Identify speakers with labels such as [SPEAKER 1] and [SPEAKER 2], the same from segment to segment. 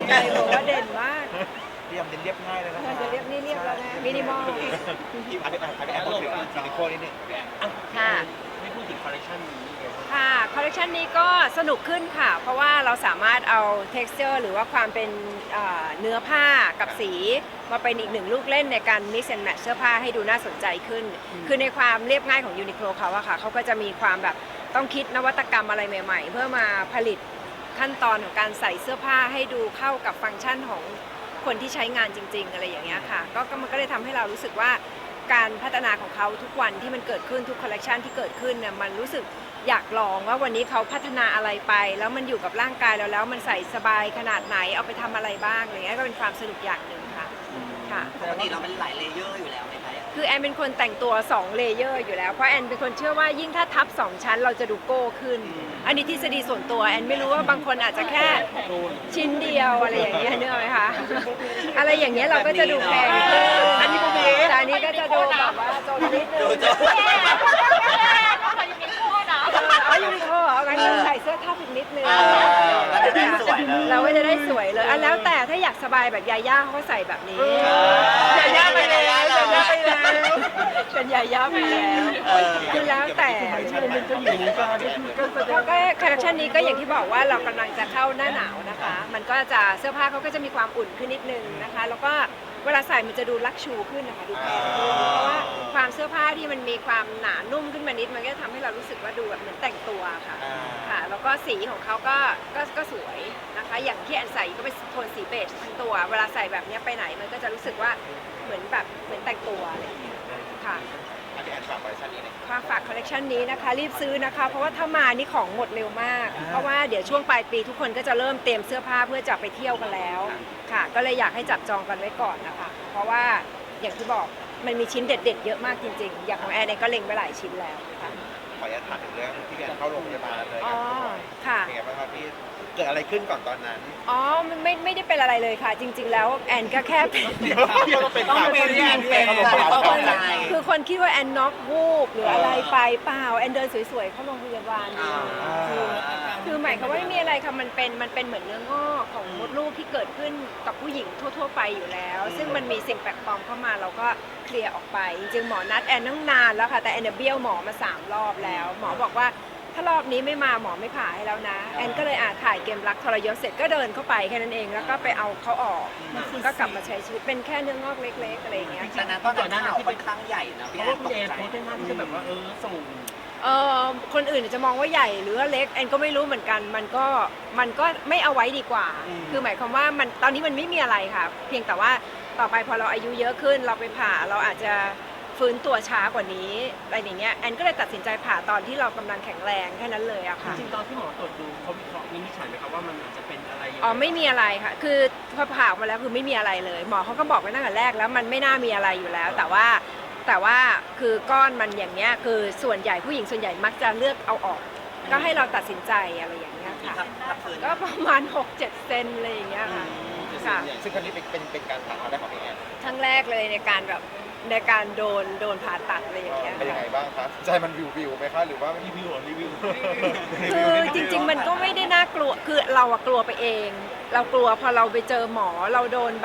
[SPEAKER 1] ใช่ผมว่าเด่นมาก
[SPEAKER 2] พยายามเรียบง่ายเลยนะ
[SPEAKER 1] จะเรียบนี่เรียบแล้วนะมินิมอล
[SPEAKER 2] ที่อันนี้พูดถึงซิลิโคนนิดนึง
[SPEAKER 1] ค่ะ
[SPEAKER 3] ไม่พูดถึงคอลเลคชันนี้เลย
[SPEAKER 1] ค่ะคอลเลคชันนี้ก็สนุกขึ้นค่ะเพราะว่าเราสามารถเอา texture หรือว่าความเป็นเนื้อผ้ากับสีมาเป็นอีกหนึ่งลูกเล่นในการ mix and match เสื้อผ้าให้ดูน่าสนใจขึ้นคือในความเรียบง่ายของ Uniqlo เขาอะค่ะเขาก็จะมีความแบบต้องคิดนวัตกรรมอะไรใหม่ๆเพื่อมาผลิตขั้นตอนของการใส่เสื้อผ้าให้ดูเข้ากับฟังก์ชันของคนที่ใช้งานจริงๆอะไรอย่างเงี้ยค่ะก็มันก็เลยทำให้เรารู้สึกว่าการพัฒนาของเขาทุกวันที่มันเกิดขึ้นทุกคอลเลคชันที่เกิดขึ้นเนี่ยมันรู้สึกอยากลองว่าวันนี้เขาพัฒนาอะไรไปแล้วมันอยู่กับร่างกายเราแล้วมันใส่สบายขนาดไหนเอาไปทำอะไรบ้างอะไรเงี้ยก็เป็นความสนุกอย่างหนึ่งค่ะค่ะ
[SPEAKER 4] ปกติเราเป็นหลายเลเยอร์อยู่แล้วไหมคะ
[SPEAKER 1] คือแอนเป็นคนแต่งตัว2เลเยอร์อยู่แล้วเพราะแอนเป็นคนเชื่อว่ายิ่งถ้าทับ2ชั้นเราจะดูโก้ขึ้นอันนี้ทฤษฎีส่วนตัวแอนไม่รู้ว่าบางคนอาจจะแค่ชิ้นเดียวอะไรอย่างเงี้ยเนื้อไหมคะอะไรอย่างเงี้ยเราก็จะดูแพงขึ้นอันนี้ก็มีแต่อันนี้ก็จะดูแบบว่าโจนนิดนึงเอายูนิโคเหรองั้นเราใส่เสื้อทับอีกนิดนึง
[SPEAKER 4] ก็จะได้สวยเลย
[SPEAKER 1] เราก็จะได้สวยเลยแล้วแต่ถ้าอยากสบายแบบยาย่าเขาใส่แบบนี้
[SPEAKER 4] ยาย่าไปแล้ว
[SPEAKER 1] เป็นยาย่าไปแล้วคือแล้วแต่ก็คอลเลคชันนี้ก็อย่างที่บอกว่าเรากำลังจะเข้าหน้าหนาวนะคะมันก็จะเสื้อผ้าเขาก็จะมีความอุ่นขึ้นนิดนึงนะคะแล้วก็เวลาใส่มันจะดูลักชูขึ้นนะคะดูแพงขึ้นเพราะว่าความเสื้อผ้าที่มันมีความหนานุ่มขึ้นมานิดมันก็ทำให้เรารู้สึกว่าดูแบบเหมือนแต่งตัวค่ะค่ะแล้วก็สีของเขาก็สวยนะคะอย่างที่แอนใส่ก็เป็นโทนสีเบจทั้งตัวเวลาใส่แบบนี้ไปไหนมันก็จะรู้สึกว่าเหมือนแต่งตัวอะไรอย่างเงี้ยค่ะฝากคอลเลคชันนี้นะคะรีบซื้อนะคะเพราะว่าถ้ามานี่ของหมดเร็วมากเพราะว่าเดี๋ยวช่วงปลายปีทุกคนก็จะเริ่มเตรียมเสื้อผ้าเพื่อจะไปเที่ยวกันแล้วค่ะก็เลยอยากให้จับจองกันไว้ก่อนนะคะเพราะว่าอย่างที่บอกมันมีชิ้นเด็ดๆเยอะมากจริงๆอย่างของแอนเองก็เล็งไว้หลายชิ้นแล้วค่ะ
[SPEAKER 2] ขออนุญาตถามถึงเรื่องที่แอนเข้าโรงพยาบาลเลย
[SPEAKER 1] อ๋อค่ะ
[SPEAKER 2] เป็นไงบ้างครับพี่เกิดอะไรขึ้นก่อนตอนนั้น
[SPEAKER 1] อ๋อมันไม่ได้เป็นอะไรเลยค่ะจริงๆแล้วแอนก็แค่เป็นคือคนคิดว่าแอนน็อกวูบหรืออะไรไปเปล่าแอนเดินสวยๆเข้าโรงพยาบาลคือหมายความว่าไม่มีอะไรค่ะมันเป็นเหมือนเนื้องอกของมดลูกที่เกิดขึ้นกับผู้หญิงทั่วๆไปอยู่แล้วซึ่งมันมีสิ่งแปลกปลอมเข้ามาเราก็เคลียร์ออกไปจริงๆหมอนัดแอนตั้งนานแล้วค่ะแต่แอนเบี้ยวหมอมา3 รอบแล้วหมอบอกว่าถ้ารอบนี้ไม่มาหมอไม่ผ่าให้แล้วนะแอนก็เลยถ่ายเกมรักทรยศเสร็จก็เดินเข้าไปแค่นั้นเองแล้วก็ไปเอาเขาออกก็กลับมาใช้ชีวิตเป็นแค่เนื้องอกเล็กๆอะไรอย่างเงี้ย
[SPEAKER 4] แต่นั้นตอนนั้นข่าวค่อนข้างใหญ่นะพี่แอน
[SPEAKER 3] ตกใจโพสต์หน้าที่จะแบบว่าส่ง
[SPEAKER 1] คนอื่นจะมองว่าใหญ่หรือว่าเล็กแอนก็ไม่รู้เหมือนกันมันก็ไม่เอาไว้ดีกว่าคือหมายความว่ามันตอนนี้มันไม่มีอะไรค่ะเพียงแต่ว่าต่อไปพอเราอายุเยอะขึ้นเราไปผ่าเราอาจจะฟื้นตัวช้ากว่านี้อะไรอย่างเงี้ยแอนก็เลยตัดสินใจผ่าตอนที่เรากำลังแข็งแรงแค่นั้นเลยอะค่ะ
[SPEAKER 3] จริงๆตอนที่หมอตรวจดูเขาวิเคราะห์วินิจฉัยไหมครับว่ามันอาจจะเป็นอะไร
[SPEAKER 1] ไม่มีอะไรค่ะคือพอผ่าออกมาแล้วคือไม่มีอะไรเลยหมอเขาก็บอกไว้ตั้งแต่แรกแล้วมันไม่น่ามีอะไรอยู่แล้วแต่ว่าคือก้อนมันอย่างเงี้ยคือส่วนใหญ่ผู้หญิงส่วนใหญ่มักจะเลือกเอาออกก็ให้เราตัดสินใจอะไรอย่างเงี้ยค่ะก็ประมาณ 6-7 เซนอะไรอย่างเงี้ยค่ะ
[SPEAKER 2] ซึ่งครั้งนี้เป็นการผ่าครั้งแรกของพี่แอน
[SPEAKER 1] ครั้งแรกเลยในการโดนผ่าตัดอะไรอย่างเงี้ย
[SPEAKER 2] เป็นยังไงบ้างครับใจมันวิวไหมคะหรือว่ารีวิว
[SPEAKER 1] คือจริงๆมันก็ไม่ได้น่ากลัวคือเรากลัวไปเองเรากลัวพอเราไปเจอหมอเราโดน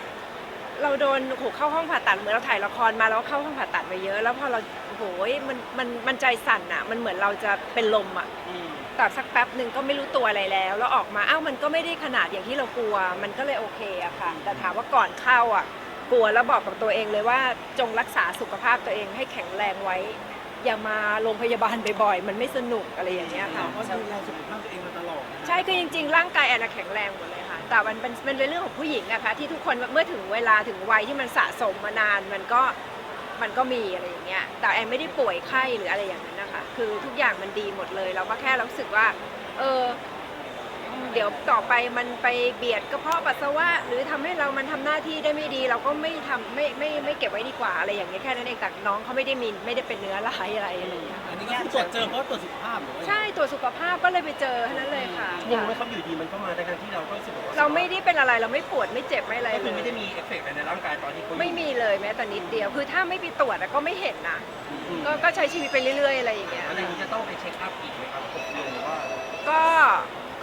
[SPEAKER 1] เข้าห้องผ่าตัดเหมือนเราถ่ายละครมาแล้วเข้าห้องผ่าตัดไปเยอะแล้วพอเราโหยมันใจสั่นอ่ะมันเหมือนเราจะเป็นลมอ่ะแต่สักแป๊บหนึ่งก็ไม่รู้ตัวอะไรแล้วออกมามันก็ไม่ได้ขนาดอย่างที่เรากลัวมันก็เลยโอเคอะค่ะแต่ถามว่าก่อนเข้าอ่ะกลัวแล้วบอกกับตัวเองเลยว่าจงรักษาสุขภาพตัวเองให้แข็งแรงไว้อย่ามาโรงพยาบาลบ่อยๆมันไม่สนุกอะไรอย่างเงี้ยค่ะ
[SPEAKER 3] เพราะดูแลสุขภาพตัวเองมาตลอด
[SPEAKER 1] ใช่คือจริงๆร่างกายแอนแข็งแรงหมดเลยค่ะแต่มันเป็นเรื่องของผู้หญิงอะค่ะที่ทุกคนเมื่อถึงเวลาถึงวัยที่มันสะสมมานานมันก็มีอะไรอย่างเงี้ยแต่แอนไม่ได้ป่วยไข้หรืออะไรอย่างนั้นนะคะคือทุกอย่างมันดีหมดเลยเราก็แค่รู้สึกว่าเดี๋ยวต่อไปมันไปเบียดกระเพาะปัสสาวะหรือทำให้มันทำหน้าที่ได้ไม่ดีเราก็ไม่ทำไม่เก็บไว้ดีกว่าอะไรอย่างเงี้ยแค่นั้นเองแต่น้องเขาไม่ได้เป็นเนื้อร้ายอะไรอย่างเงี้ย
[SPEAKER 3] อันนี้ก็ตรวจเจอเพราะตรวจสุขภาพหรือ
[SPEAKER 1] ใช่ตรวจสุขภาพก็เลยไปเจอแค่นั้นเลยค่ะ
[SPEAKER 3] ยังไม่เขาอยู่ดีมันก็มาในการที่เราก็รู้สึกว่า
[SPEAKER 1] เราไม่ได้เป็นอะไรเราไม่ปวดไม่เจ็บไม่อะไร
[SPEAKER 3] เลยไม่ได้มีเอฟเฟกต์ในร่างกายตอนที่
[SPEAKER 1] ไม่มีเลยแม้แต่นิดเดียวคือถ้าไม่ไปตรวจก็ไม่เห็นนะก็ใช้ชีวิตไปเรื่อยๆอะไรอย่างเงี้ย
[SPEAKER 3] อะไรนี้จะต้องไปเช็คอัพอีกไหมครับหรือว่า
[SPEAKER 1] ก็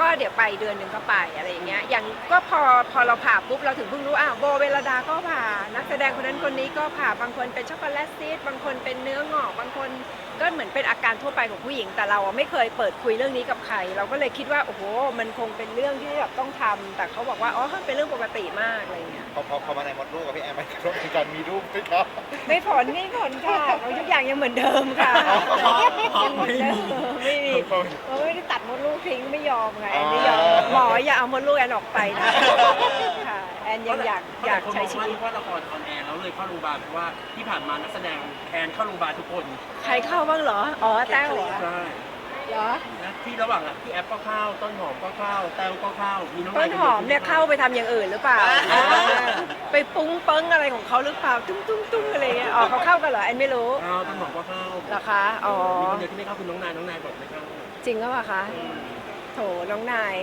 [SPEAKER 1] ก็เดี๋ยวไปเดือนหนึ่งก็ไปอะไรอย่างเงี้ยอย่างก็พอเราผ่าปุ๊บเราถึงเพิ่งรู้โบเวลดาก็ผ่านักแสดงคนนั้นคนนี้ก็ผ่าบางคนเป็นช็อกโกแลตซีสบางคนเป็นเนื้องอกบางคนก็เหมือนเป็นอาการทั่วไปของผู้หญิงแต่เราไม่เคยเปิดคุยเรื่องนี้กับใครเราก็เลยคิดว่าโอ้โหมันคงเป็นเรื่องที่แบบต้องทำแต่เขาบอกว่าอ๋อเป็นเรื่องปกติมากอะไรเงี้ย
[SPEAKER 2] พอมาในมดลูกกับพี่แอนมันกระทบในการมีลูกไหมครับ
[SPEAKER 1] ไม่ผลค่ะทุกอย่างยังเหมือนเดิมค่ะยังเหมือนเดิมไม่มีไม่ได้ตัดมดลูกทิ้งไม่ยอมไงแอนไม่ยอมหมออย่าเอามดลูกแอนออกไปนะค่ะแอนยังอยากใช้ชีวิต
[SPEAKER 3] ว่าละครออนแอร์แล้วเลยเข้าโรงพยาบาลเพราะว่าที่ผ่านมานักแสดงแอนเข้าโรงพยาบาลทุกคน
[SPEAKER 1] ใครเข้าบ้างเหรออ๋อแต้วเหรอ
[SPEAKER 3] ใช่
[SPEAKER 1] เหรอ
[SPEAKER 3] นะที่ระหว่างพี่แอฟก็เข้าต้นหอมก็เข้าแต้วก็เข้ามีน้อง
[SPEAKER 1] ต้นหอมเนี่ยเข้าไปทำอย่างอื่นหรือเปล่าไปปุ้งเปิ้งอะไรของเขาหรือเปล่าตุ้งอะไรเงี้ยอ๋อเขาเข้ากันเหรอแอนไม่รู้
[SPEAKER 3] ต้นหอมก็เข้า
[SPEAKER 1] เหรอคะอ๋อ
[SPEAKER 3] มีคนเดียวที่ไม่เข้าคือน้องนายบอกไม่เข้า
[SPEAKER 1] จริงหรือเปล่าคะโถน้องนาย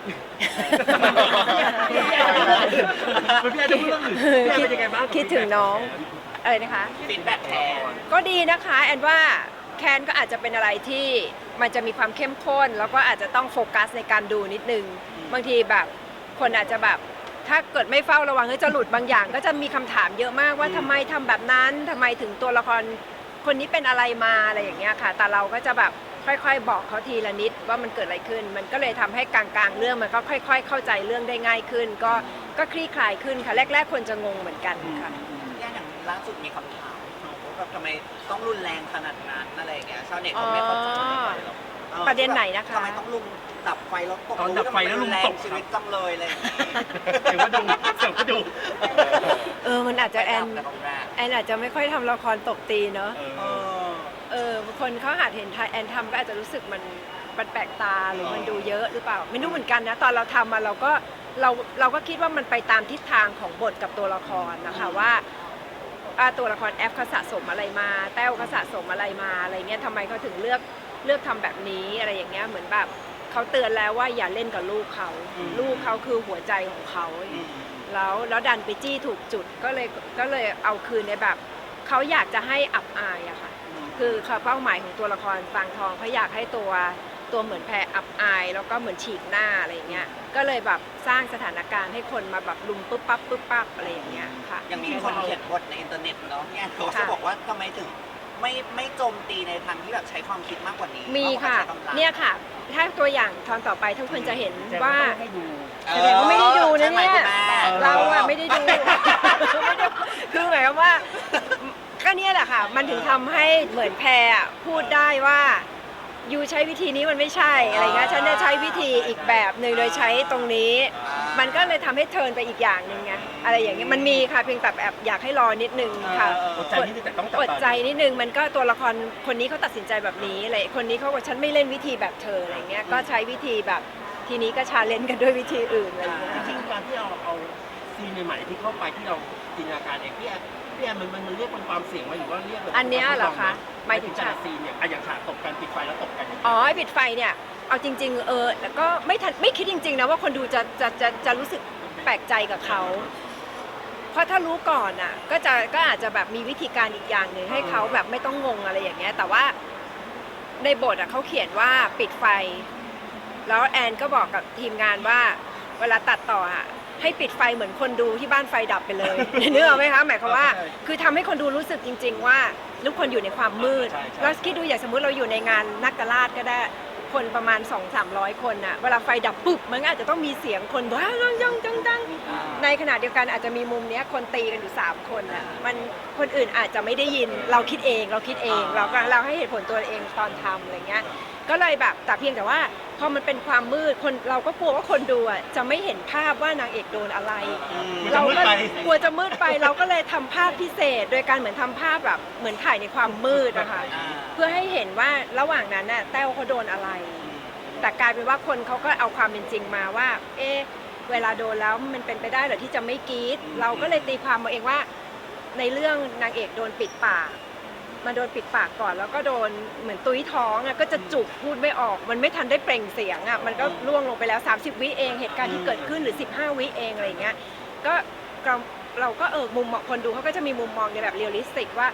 [SPEAKER 3] พี่แอนจะพูดเรื่องอื่นพี่แอนเป็นยังไงบ้าง
[SPEAKER 1] คิดถึงน้องอะไรนะคะ
[SPEAKER 4] ฟีดแบ็กแทน
[SPEAKER 1] ก็ดีนะคะแอนว่าแคนก็อาจจะเป็นอะไรที่มันจะมีความเข้มข้นแล้วก็อาจจะต้องโฟกัสในการดูนิดนึงบางทีแบบคนอาจจะแบบถ้าเกิดไม่เฝ้าระวังก็จะหลุดบางอย่าง ก็จะมีคำถามเยอะมากว่าทำไมทำแบบนั้นทำไมถึงตัวละครคนนี้เป็นอะไรมาอะไรอย่างเงี้ยค่ะแต่เราก็จะแบบค่อยๆบอกเขาทีละนิดว่ามันเกิดอะไรขึ้นมันก็เลยทำให้กลางๆเรื่องมันก็ค่อยๆเข้าใจเรื่องได้ง่ายขึ้นก็คลี่คลายขึ้นค่ะแรกๆคนจะงงเหมือนกันค่ะ
[SPEAKER 4] อย่างล่าสุดมีคำถามว่าแบบทำไมต้องรุนแรงขนาดนั้นอะไรอย่างเงี้ยชาวเน็ตเขาไม่เข้าใจหรอก
[SPEAKER 1] ประเด็นไหนนะคะ
[SPEAKER 4] ทำไมต้องลุมดับไฟแล้วตก
[SPEAKER 3] ตอนดับไฟแล้วลุงตก
[SPEAKER 4] ชีวิตจังเลยเลย
[SPEAKER 3] เดี๋ยวก็ดู
[SPEAKER 1] มันอาจจะแอน
[SPEAKER 4] แต่ตรงแรก
[SPEAKER 1] อาจจะไม่ค่อยทำละครตบตีเนาะ
[SPEAKER 4] เออ
[SPEAKER 1] คนเขาอาจเห็นแอนทำก็อาจจะรู้สึกมันแปลกตาหรือมันดูเยอะหรือเปล่าไม่รู้เหมือนกันนะตอนเราทำมาเราก็คิดว่ามันไปตามทิศทางของบทกับตัวละครนะคะว่าตัวละครแอฟเขาสะสมอะไรมาแต้วเขาสะสมอะไรมาอะไรเงี้ยทำไมเขาถึงเลือกทำแบบนี้อะไรอย่างเงี้ยเหมือนแบบเขาเตือนแล้วว่าอย่าเล่นกับลูกเขาลูกเขาคือหัวใจของเขาแล้วดันไปจี้ถูกจุดก็เลยเอาคืนในแบบเขาอยากจะให้อับอายอะค่ะคือเป้าหมายของตัวละครฟางทองเขาอยากให้ตัวเหมือนแพรอับอายแล้วก็เหมือนฉีกหน้าอะไรอย่างเงี้ยก็เลยแบบสร้างสถานการณ์ให้คนมาแบบลุมปุ๊บปั๊บอะไรอย่างเงี้ยค่ะ
[SPEAKER 4] ยังมีคนเขียนบทในอินเทอร์เน็ตเนาะเนี่ยเขาจะบอกว่าทำไมถึงไม่โจมตีในทางที่แบบใช้ความคิดมากกว่านี้
[SPEAKER 1] มีค่ะ
[SPEAKER 4] ใช้กำลัง
[SPEAKER 1] เนี่ยค่ะถ้าตัวอย่างตอนต่อไปทุกคนจะเห็นว่า
[SPEAKER 3] ให้ดู
[SPEAKER 1] แสดงว่าไม่ได้ดูนะเนี่ย
[SPEAKER 4] ใช่ไหมคุณแม่
[SPEAKER 1] เราอะไม่ได้ดูคือหมายความว่าก็เนี่ยแหละค่ะมันถึงทำให้เหมือนแพรอะพูดได้ว่ายูใช้วิธีนี้มันไม่ใช่อะไรเงี้ยฉันจะใช้วิธีอีกแบบหนึ่งโดยใช้ตรงนี้ มันก็เลยทำให้เทิร์นไปอีกอย่างหนึ่งไงอะไรอย่างเงี้ยมันมีค่ะเพียงแต่แบบอยากให้รอนิดนึงค่ะ
[SPEAKER 3] อดใจนิดนึงแต่ต้องจับ
[SPEAKER 1] อ
[SPEAKER 3] ตา
[SPEAKER 1] ดใจนิดนึงมันก็ตัวละครคนนี้เขาตัดสินใจแบบนี้อะไรคนนี้เขาบอกฉันไม่เล่นวิธีแบบเธออะไรเงี้ยก็ใช้วิธีแบบทีนี้ก็ชาเลนจ์กันด้วยวิธีอื่นอะไรเงี้ย
[SPEAKER 3] จริงๆการที่เอาซีนใหม่ๆที่เข้าไปที่เราจินตนาการเองพี่แอนมันเรียกเป็นความเสี่ยงไหมหรือว่าเรียกแบบ
[SPEAKER 1] อันเนี้ยเหรอคะหมายถึง
[SPEAKER 3] แต่ละซีนเนี่ยอย่างฉากตบกันปิดไฟแล้วตบกัน
[SPEAKER 1] อ๋อไอ้ปิดไฟเนี่ยเอาจริงๆแล้วก็ไม่คิดจริงๆนะว่าคนดูจะรู้สึกแปลกใจกับเขาเพราะถ้ารู้ก่อนอ่ะก็อาจจะแบบมีวิธีการอีกอย่างหนึ่งให้เขาแบบไม่ต้องงงอะไรอย่างเงี้ยแต่ว่าในบทอ่ะเขาเขียนว่าปิดไฟแล้วแอนก็บอกกับทีมงานว่าเวลาตัดต่ออ่ะให้ปิดไฟเหมือนคนดูที่บ้านไฟดับไปเลยนึกออกไหมคะหมายความว่าคือทำให้คนดูรู้สึกจริงๆว่าทุกคนอยู่ในความมืดแล้วคิดดูอย่างสมมุติเราอยู่ในงานนักกราชก็ได้คนประมาณ 200-300 คนน่ะเวลาไฟดับปุ๊บมันก็อาจจะต้องมีเสียงคนว้าวจังในขณะเดียวกันอาจจะมีมุมเนี้ยคนตีกันอยู่3คนน่ะมันคนอื่นอาจจะไม่ได้ยินเราคิดเองเราให้เหตุผลตัวเองตอนทำอะไรเงี้ยก็เลยแบบแต่เพียงแต่ว่าพอมันเป็นความมืดคนเราก็กลัวว่าคนดูอ่ะจะไม่เห็นภาพว่านางเอกโดนอะไรเราก็กลัวจะมืดไปเราก็เลยทำภาพพิเศษโดยการเหมือนทำภาพแบบเหมือนถ่ายในความมืดนะคะเพื่อให้เห็นว่าระหว่างนั้นน่ะแต้วเขาโดนอะไรแต่กลายเป็นว่าคนเขาก็เอาความเป็นจริงมาว่าเวลาโดนแล้วมันเป็นไปได้เหรอที่จะไม่กรี๊ดเราก็เลยตีความมาเองว่าในเรื่องนางเอกโดนปิดปากมาโดนปิดปากก่อนแล้วก็โดนเหมือนตุ้ยท้องอ่ะก็จะจุกพูดไม่ออกมันไม่ทันได้เปล่งเสียงอ่ะมันก็ล่วงลงไปแล้ว30วิเองเหตุการณ์ที่เกิดขึ้นหรือ15วิเองอะไรอย่างเงี้ยก็เราก็มุมมองคนดูเขาก็จะมีมุมมองในแบบเรียลลิสติกว่า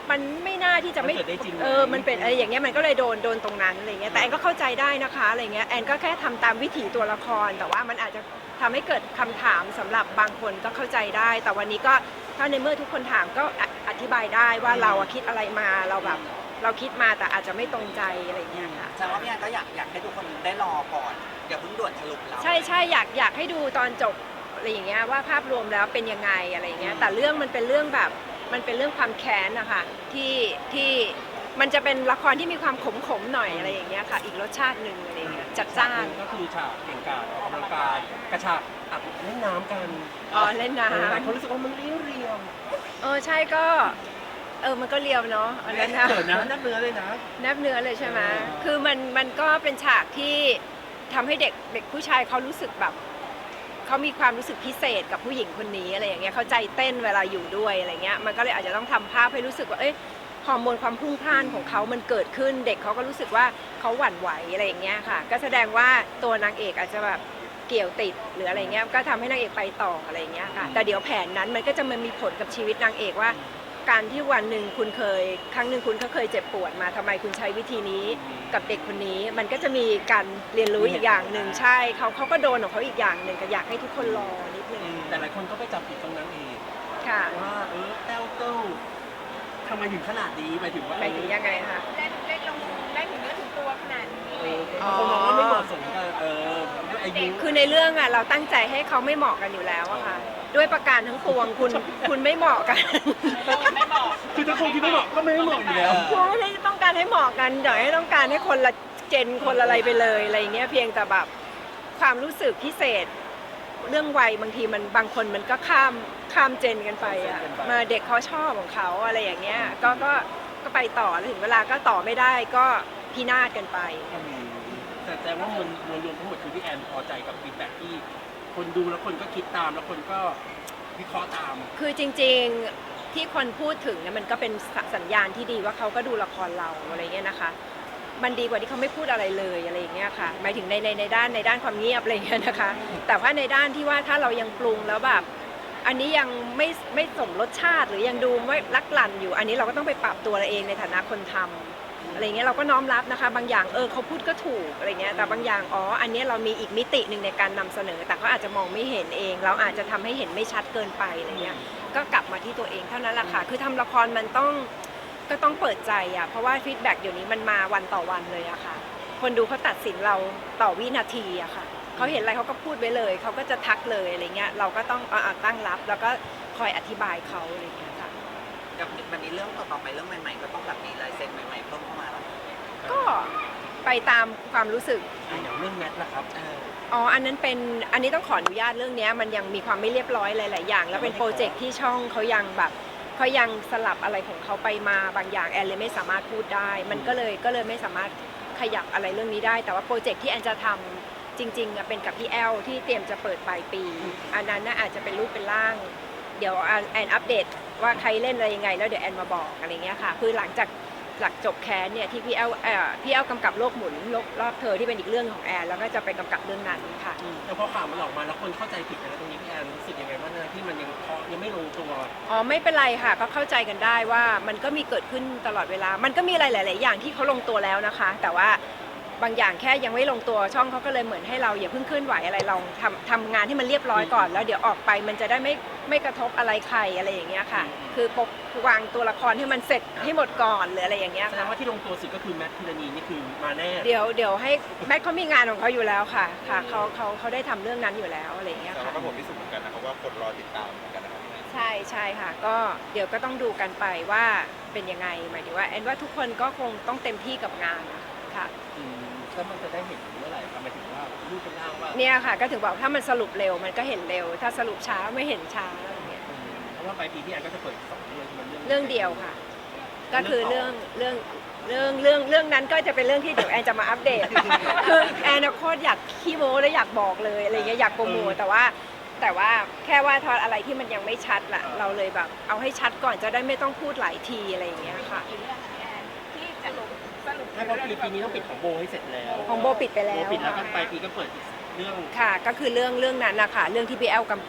[SPEAKER 1] มันไม่น่าที่จะไม่
[SPEAKER 3] มันเกิดได้จริงไหม
[SPEAKER 1] มันเป็นอะไรอย่างเงี้ยมันก็เลยโดนตรงนั้นอะไรเงี้ยแต่แอนก็เข้าใจได้นะคะอะไรเงี้ยแอนก็แค่ทำตามวิถีตัวละคร แต่ว่ามันอาจจะทำให้เกิดคำถามสำหรับบางคนก็เข้าใจได้ แต่วันนี้ก็ถ้าในเมื่อทุกคนถามก็อธิบายได้ว่าเราอะคิดอะไรมาเราแบบเราคิดมาแต่อาจจะไม่ตรงใจอะไรเงี้ยค่ะ
[SPEAKER 4] แสดงว่าพี่แอนก็อยากให้ทุกคนได้รอก่อนอย่าเพิ่งด่วนสรุปเรา
[SPEAKER 1] ใช่อยากให้ดูตอนจบอะไรอย่างเงี้ยว่าภาพรวมแล้วเป็นยังไงอะไรอย่างเงี้ยแต่เรื่องมันเป็นเรื่องแบบมันเป็นเรื่องความแค้นนะคะที่มันจะเป็นละครที่มีความขมๆหน่อยอะไรอย่างเงี้ยค่ะอีกรสชาติหนึ่งอะไรอย่างเงี้ยจัดจ้าน
[SPEAKER 3] ก็คือฉากเก่งกาจออกกำลังกายกระชากอัดเล่นน้ำกัน
[SPEAKER 1] อ๋อเล่นน้
[SPEAKER 3] หลายคนรู้สึกว่ามันเรียว
[SPEAKER 1] ำใช่ก็มันก็เรียวเนาะอันนั้นนะ
[SPEAKER 3] เกิดนะนับเนื้อเลยนะ
[SPEAKER 1] แนบเนื้อเลยใช่ไหมคือมันก็เป็นฉากที่ทำให้เด็กผู้ชายเขารู้สึกแบบเขามีความรู้สึกพิเศษกับผู้หญิงคนนี้อะไรอย่างเงี้ยเขาใจเต้นเวลาอยู่ด้วยอะไรเงี้ยมันก็เลยอาจจะต้องทำภาพให้รู้สึกว่าฮอร์โมนความพรุ่งพล่านของเขามันเกิดขึ้นเด็กเขาก็รู้สึกว่าเขาหวั่นไหวอะไรอย่างเงี้ยค่ะก็แสดงว่าตัวนางเอกอาจจะแบบเกี่ยวติดหรืออะไรเงี้ยก็ทำให้นางเอกไปต่ออะไรอย่างเงี้ยค่ะแต่เดี๋ยวแผนนั้นมันก็จะมามีผลกับชีวิตนางเอกว่า การที่วันหนึ่งคุณครั้งหนึ่งคุณก็เคยเจ็บปวดมาทำไมคุณใช้วิธีนี้กับเด็กคนนี้มันก็จะมีการเรียนรู้อีกอย่างหนึ่งใช่เขาก็โดนของเขาอีกอย่างหนึ่งก็อยากให้ทุกคนรอนิดนึง
[SPEAKER 3] แต่หลายคนก็ไปจับผิดตรงนั้นเอง
[SPEAKER 1] ค่ะ
[SPEAKER 3] ว่าแต้วเต้าทำไมถึงขนาดนี้หมายถึงว่า
[SPEAKER 1] ไปถึงยังไงคะ
[SPEAKER 5] เล่นลงได้ถึงเนื้อถึงตัวขนาดนี้
[SPEAKER 3] คนมองว่าไม่เหมาะสมกันด้วยอายุ
[SPEAKER 1] คือในเรื่องอะเราตั้งใจให้เขาไม่เหมาะกันอยู่แล้วอะค่ะด้วยประการทั้งปวงคุณไม่เหมาะกัน
[SPEAKER 5] ไม่บอก
[SPEAKER 3] คือถ้าคนที่ไม่เหมาะก็ไม่เหมาะอยู่แล้ว
[SPEAKER 1] คุณไม่ได้ต้องการให้เหมาะกันแต่ให้ต้องการให้คนละเจนคนละอะไรไปเลยอะไรอย่างเงี้ยเพียงแต่แบบความรู้สึกพิเศษ เรื่องวัยบางทีมันบางคนมันก็ข้ามเจนกันไปอะมาเด็กเขาชอบของเขาอะไรอย่างเงี้ยก็ไปต่อแล้วถึงเวลาก็ต่อไม่ได้ก็พินาศกันไป
[SPEAKER 3] แต่ว่ามวลรวมทั้งหมดคือพี่แอนพอใจกับฟีดแบ็กที่คนดูแล้วคนก็คิดตามแล้วคนก็วิเคราะห์ตาม
[SPEAKER 1] คือจริงๆที่คนพูดถึงเนี่ยมันก็เป็นสัญญาณที่ดีว่าเขาก็ดูละครเราอะไรเงี้ยนะคะ มันดีกว่าที่เขาไม่พูดอะไรเลยอะไรอย่างเงี้ยค่ะหมายถึงในด้านความเงียบอะไรเงี้ยนะคะ แต่ว่าในด้านที่ว่าถ้าเรายังปรุงแล้วแบบอันนี้ยังไม่สมรสชาติหรือยังดูไม่ลักลั่นอยู่ อันนี้เราก็ต้องไปปรับตัวเราเองในฐานะคนทำอะไรเงี้ยเราก็น้อมรับนะคะบางอย่างเขาพูดก็ถูกอะไรเงี้ยแต่บางอย่างอันนี้เรามีอีกมิติหนึ่งในการนำเสนอ แต่เขาอาจจะมองไม่เห็นเอง เราอาจจะทำให้เห็นไม่ชัดเกินไปอะไรเงี้ยก็กลับมาที่ตัวเองเท่านั้นแหละค่ะคือทำละครมันก็ต้องเปิดใจเพราะว่าฟีดแบ็กเดี๋ยวนี้มันมาวันต่อวันเลยอะค่ะคนดูเขาตัดสินเราต่อวินาทีอะค่ะเขาเห็นอะไรเขาก็พูดไว้เลยเขาก็จะทักเลยอะไรเงี้ยเราก็ต้องตั้งรับแล้วก็คอยอธิบายเขาอะไรเงี้ยค่ะ
[SPEAKER 4] กับมันมีเรื่องต่อไปเรื่องใหม่ๆก็ต้องแบบมีลายเซ็นใหม่ๆเพิ่มเข้ามาแล้ว
[SPEAKER 1] ก็ไปตามความรู้สึก
[SPEAKER 3] อย่างเรื่องแมทนะครับ
[SPEAKER 1] อันนี้ต้องขออนุญาตเรื่องนี้มันยังมีความไม่เรียบร้อยหลายๆอย่างแล้วเป็นโปรเจกต์ที่ช่องเขายังสลับอะไรของเขาไปมาบางอย่างแอนเลยไม่สามารถพูดได้มันก็เลยไม่สามารถขยับอะไรเรื่องนี้ได้แต่ว่าโปรเจกต์ที่แอนจะทำจริงๆเป็นกับพี่แอลที่เตรียมจะเปิดปลายปีอันนั้นน่าอาจจะเป็นรูปเป็นร่างเดี๋ยวแอนอัปเดตว่าใครเล่นอะไรยังไงแล้วเดี๋ยวแอนมาบอกอะไรเงี้ยค่ะคือหลังจบแคสเนี่ยที่พี่แอลกำกับโลกหมุนรอบเธอที่เป็นอีกเรื่องของแอนแล้วก็จะไปกำกับเรื่องนั้นค่ะ
[SPEAKER 3] แต่พอข่าวมันออกมาแล้วคนเข้าใจผิดกันแล้วตรงนี้พี่แอนรู้สึกยังไงบ้างนะที่มันยังไม่ลงตัว
[SPEAKER 1] ไม่เป็นไรค่ะก็เข้าใจกันได้ว่ามันก็มีเกิดขึ้นตลอดเวลามันก็มีอะไรหลายๆอย่างที่เขาลงตัวแล้วนะคะแต่ว่าบางอย่างแค่ยังไม่ลงตัวช่องเขาก็เลยเหมือนให้เราอย่าเพิ่งเคลื่อนไหวอะไรลองทำงานให้มันเรียบร้อยก่อนแล้วเดี๋ยวออกไปมันจะได้ไม่กระทบอะไรใครอะไรอย่างเงี้ยค่ะคือวางตัวละครให้มันเสร็จให้หมดก่อนหรืออะไรอย่างเงี้ย
[SPEAKER 3] แสด
[SPEAKER 1] ค่ะ
[SPEAKER 3] งว่าที่ลงตัวสุดก็คือแมทพิรณีนี่คือมาแน่
[SPEAKER 1] เดี๋ยวให้แมทเขามีงานของเขาอยู่แล้วค่ะเขาได้ทำเรื่องนั้นอยู่แล้วอะไรอย่างเงี้ย
[SPEAKER 2] แต่
[SPEAKER 1] ค่ะ
[SPEAKER 2] ว่าก็ผมพิสูจน์เหมือนกันนะครับว่าคนรอติดตามเหมือนกันนะครับ
[SPEAKER 1] ใช่ค่ะก็เดี๋ยวก็ต้องดูกันไปว่าเป็นยังไงหมายถึงว่าแอนว่าทุกคนก็คงต้องเต็มที่กับงานค่ะ
[SPEAKER 3] แล้วมันจะได้เห็นเมื่อไหร่ครับหมายถึงว่ารูปเป็นร่างว่า
[SPEAKER 1] เนี่ยค่ะก็ถึงบอกถ้ามันสรุปเร็วมันก็เห็นเร็ว ถ้าสรุปช้าไม่เห็นช้าอะไรเงี้ย
[SPEAKER 3] เพราะว่าปลายปีพี่แอนก็จะเปิดสองเรื่องมัน
[SPEAKER 1] เรื่องเดียวค่ะ ก็คือเรื่องนั้นก็จะเป็นเรื่องที่เดี๋ยวแอนจะมาอัปเดต คือแอนโคตรอยากขี้โม้และอยากบอกเลยอะไรเงี้ยอยากโปรโมทแต่ว่าแค่ว่าทอดอะไรที่มันยังไม่ชัดล่ะเราเลยแบบเอาให้ชัดก่อนจะได้ไม่ต้องพูดหลายทีอะไรอย่างเงี้ยค่ะ
[SPEAKER 5] กี่เรื่องคะพี่แอนที่จะสรุป
[SPEAKER 3] ไม่เพราะปีนี้ต้องปิดของโบให้เสร็จแล้ว
[SPEAKER 1] ของโบปิดไปแล้ว
[SPEAKER 3] ปิดแล้วก็ปลายปีก็เปิดอีกเรื่อง
[SPEAKER 1] ค่ะก็คือเรื่องนั้นนะคะเรื่องที่พี่แอลกำกับ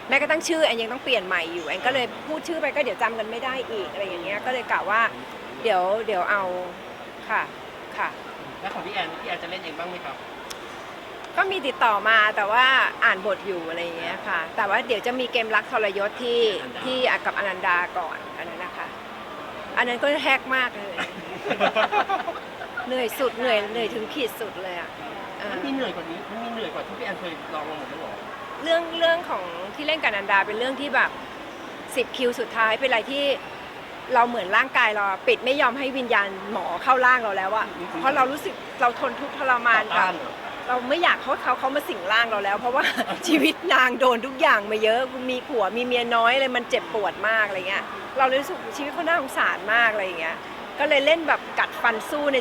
[SPEAKER 1] แม้กระทั่งชื่อแอนยังต้องเปลี่ยนใหม่อยู่แอนก็เลยพูดชื่อไปก็เดี๋ยวจำกันไม่ได้อีกอะไรอย่างเงี้ยก็เลยกะว่าเดี๋ยวเอาค่ะค่ะ
[SPEAKER 3] แล้วของพี่แอนจะเล่นเองบ้างไหมครับ
[SPEAKER 1] ก็มีติดต่อมาแต่ว่าอ่านบทอยู่อะไรอย่างเงี้ยค่ะ แต่ว่าเดี๋ยวจะมีเกมรักทรยศที่กับอนันดาก่อนอันนั้นนะคะ อันนั้นก็แฮกมากเลย เหนื่อยสุดเหนื่อยถึงขีดสุดเลยอ่ะเออ
[SPEAKER 3] มันมีเหนื่อยกว่านี้มันมีเหนื่อยกว่าที่พี่แอนเคยลองมาหมดแล้วเหรอ
[SPEAKER 1] เรื่องของที่เล่นกับอนันดาเป็นเรื่องที่แบบ10 คิวสุดท้ายเป็นอะไรที่เราเหมือนร่างกายเราปิดไม่ยอมให้วิญญาณหมอเข้าร่างเราแล้วอะเพราะเรารู้สึกเราทนทุกข์ทรมานกับเราไม่อยากเขามาสิงร่างเราแล้ว เพราะว่า ชีวิตนางโดนทุกอย่างมาเยอะมีผัวมีเมียน้อยเลยมันเจ็บปวดมากอะไรเงี้ยเราเลยรู้สึกชีวิตเขาน่าสงสารมากอะไรอย่างเงี้ยก็เลยเล่นแบบกัดฟันสู้ใน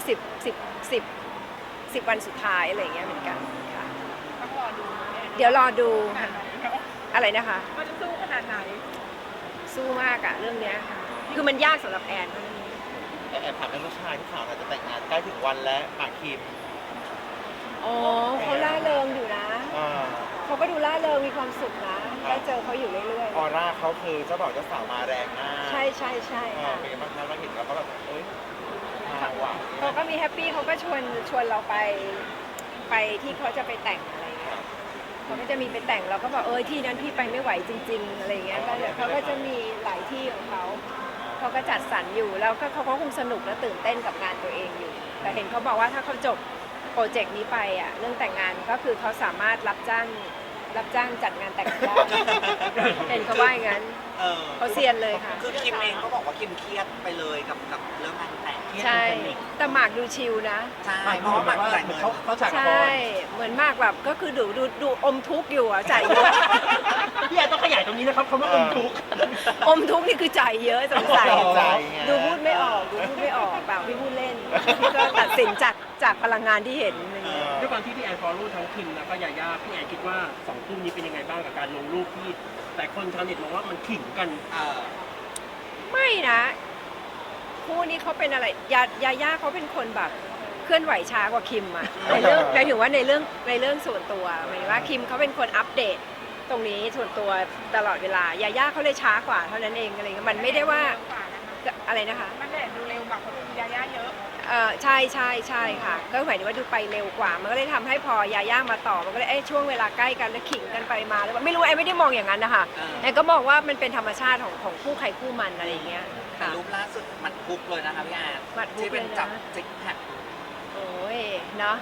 [SPEAKER 1] 10 วันสุดท้ายอะไรอย่างเงี้ยเหมือนกันค่ะ
[SPEAKER 5] ต้องรอดูเนี่ย
[SPEAKER 1] เดี๋ยวรอดู
[SPEAKER 5] ขนาดไหน
[SPEAKER 1] อะไรนะคะ
[SPEAKER 5] ว่าจะสู้ขนาดไหน
[SPEAKER 1] สู้มากอะเรื่องเนี้ยค่ะคือมันยากสำหรับแอน
[SPEAKER 2] แอบถามเรื่องผู้ชายที่ข่าวอาจจะแต่งงานใกล้ถึงวันแล้วหมากคิม
[SPEAKER 1] อ๋อเขาล่าเริงอยู่นะ
[SPEAKER 2] อ่า
[SPEAKER 1] เขาก็ดูล่าเริงมีความสุขนะได้เจอเขาอยู่เรื่อย
[SPEAKER 2] ออร่าเขาคือเจ้าบ่าวเจ้าสาวมาแรงมาก
[SPEAKER 1] ๆ ใช่ใช่ใช่
[SPEAKER 2] อ่า
[SPEAKER 1] ค่ะ
[SPEAKER 2] เป็นไงบ้างคะเราเห็นแล้วก็แบบเอ้ยมาว่ะ
[SPEAKER 1] เขาก็มีแฮปปี้เขาก็ชวนเราไปที่เขาจะไปแต่งอะไรเงี้ยเขาก็จะมีไปแต่งเราก็บอกที่นั้นพี่ไปไม่ไหวจริง ๆอะไรเงี้ยก็เลยเขาก็จะมีหลายที่ของเขาก็จัดสรรอยู่แล้วก็เขาก็คงสนุกและตื่นเต้นกับงานตัวเองอยู่ แต่เห็นเขาบอกว่าถ้าเขาจบโปรเจกต์นี้ไปอ่ะเรื่องแต่งงานก็คือเขาสามารถรับจ้างจัดงานแต่งได้ เห็นเขาว่าอย่างนั้น
[SPEAKER 4] เออ
[SPEAKER 1] เขาเซียนเลยค่ะ
[SPEAKER 4] คือคิมเองก็บอกว่าคิมเครียดไปเลยกับเรื่องงานแต่ง
[SPEAKER 1] ใช่ แต่หมากดูชิลนะ
[SPEAKER 4] ใช่
[SPEAKER 3] ไม่
[SPEAKER 4] เพ
[SPEAKER 3] เพราะ
[SPEAKER 4] ราะว่า
[SPEAKER 3] ว่า
[SPEAKER 4] มันจ่าย
[SPEAKER 3] เหมื
[SPEAKER 4] เงิ
[SPEAKER 3] อน
[SPEAKER 4] น
[SPEAKER 3] เขาฉากค
[SPEAKER 1] ใช่
[SPEAKER 3] อน
[SPEAKER 1] เหมือนหมากแบบก็คือดูอมทุกข์อยู่อ่ะจ่ายเยอะ
[SPEAKER 3] พี่แอนต้องขยายตรงนี้นะครับเขาไม่อมทุกข์
[SPEAKER 1] อมทุกข์นี่คือจ่ายเยอะสงสัย
[SPEAKER 2] ใจไง
[SPEAKER 1] ดูพูดไม่ออกเปล่าพี่พูดเล่นพี่ก็ตัดสินจากพลังงานที่เห็นอะไรอย่างเงี้ย
[SPEAKER 3] ด้วยความที่พี่แอนฟอลโล่ทั้งคิมแล้วก็ยาย่าพี่แอนคิดว่า2คู่นี้เป็นยังไงบ้างกับการลงรูปที่แต่คนชาวเน็ตมองว่ามันขิงกัน
[SPEAKER 1] ไม่นะคู่นี้เขาเป็นอะไรยาย่าเขาเป็นคนแบบเคลื่อนไหวช้ากว่าคิมอะในเรื่องหมายถึงว่าในเรื่องส่วนตัวหมายถึงว่าคิมเขาเป็นคนอัปเดตตรงนี้ส่วนตัวตลอดเวลายาย่าเขาเลยช้ากว่าเท่านั้นเองอะไรเงี้ยมันไม่ได้ว่าอะไรนะคะ
[SPEAKER 5] มันแดดดูเร็วกว่าคนยาย่าเยอะ
[SPEAKER 1] ใช่ค่ะก็หมายถึงว่าดูไปเร็วกว่า มันก็เลยทำให้พอยาย่ามาต่อมันก็เลยช่วงเวลาใกล้กันแล้วขิงกันไปมาแล้วไม่รู้แอนไม่ได้มองอย่างนั้นนะคะแอนก็มองว่ามันเป็นธรรมชาติของคู่ใครคู่มันอะไรอย่างเงี้ย
[SPEAKER 4] แต่
[SPEAKER 1] ค่ะ
[SPEAKER 4] รูปล่าสุดมันคุกเลยนะคะพี่แอน
[SPEAKER 1] หมัดฮุก
[SPEAKER 4] ที่เป็น
[SPEAKER 1] เลยนะ
[SPEAKER 4] จับซิกแพค
[SPEAKER 1] โอ้ยเนาะ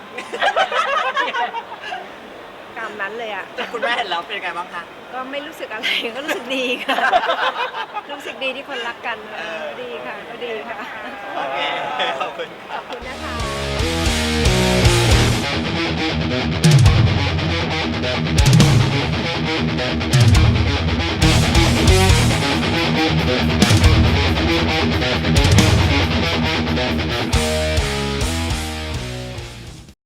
[SPEAKER 1] กรรมนั้นเลยอ่ะ
[SPEAKER 4] คุณแม่เห็นแล้วเป็นไงบ้างคะ
[SPEAKER 1] ก็ไม่รู้สึกอะไรก็รู้สึกดีค่ะ รู้สึกดีที่คนรักกันดีค่ะก็ดีค่ะ
[SPEAKER 4] โอเคขอบคุณค่ะ
[SPEAKER 1] ขอบคุณนะคะ
[SPEAKER 6] Thank you.